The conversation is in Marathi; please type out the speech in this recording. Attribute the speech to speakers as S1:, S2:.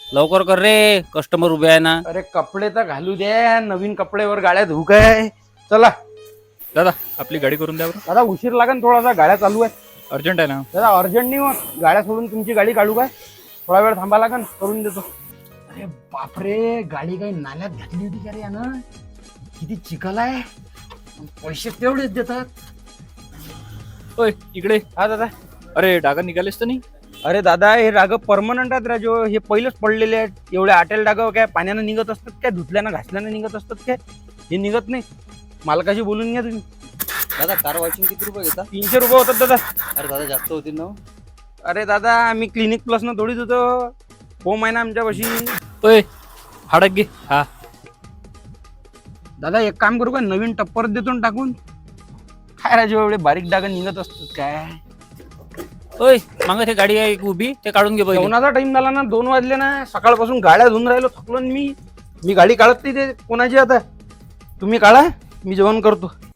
S1: लवकर कर रे, कस्टमर उभे आहे ना.
S2: अरे कपडे तर घालू द्या, नवीन कपडेवर गाड्या धुऊ काय. चला
S3: दादा आपली गाडी करून द्या बरं.
S2: दादा, उशीर लागेल थोडासा, गाड्या चालू आहे.
S3: अर्जंट आहे ना.
S2: दादा अर्जंट नाही होत, गाड्या सोडून तुमची गाडी काढू काय? थोडा वेळ थांबा लागेल, करून देतो. अरे बापरे, गाडी काही नाल्यात घातली होती का रे यानं? किती चिखल आहे, पैसे तेवढेच देतात.
S3: होय इकडे.
S2: हा दादा.
S3: अरे डागा निघालेस तर नाही.
S2: अरे दादा, हे डाग परमनंट आहेत राजो, हे पहिलेच पडलेले आहेत. एवढे आटेल डाग काय पाण्यानं निघत असतात काय, धुतल्यानं घासल्यानं निघत असतात काय? हे निघत नाही. मालकाशी बोलून घ्या तुम्ही.
S1: दादा कार वॉशिंग किती रुपये घेता?
S2: 300 रुपये होतात दादा.
S1: अरे दादा जास्त होतील ना.
S2: अरे दादा, आम्ही क्लिनिक प्लस न थोडीच होतो, होम आहे ना आमच्यापाशी.
S3: होय हाडक घे. हा
S2: दादा एक काम करू का, नवीन टप्पर देतो ना टाकून. काय राजू, एवढे बारीक डाग निघत असतात काय?
S1: ओय मागं ते गाडी आहे एक उभी, ते काढून घे पहिले.
S2: जेवणाचा टाइम झाला ना, 2 वाजले ना. सकाळपासून गाड्या धुवून राहिलो, थकलो ना मी गाडी काढत नाही. ते कोणाची आता, तुम्ही काढा, मी जेवण करतो.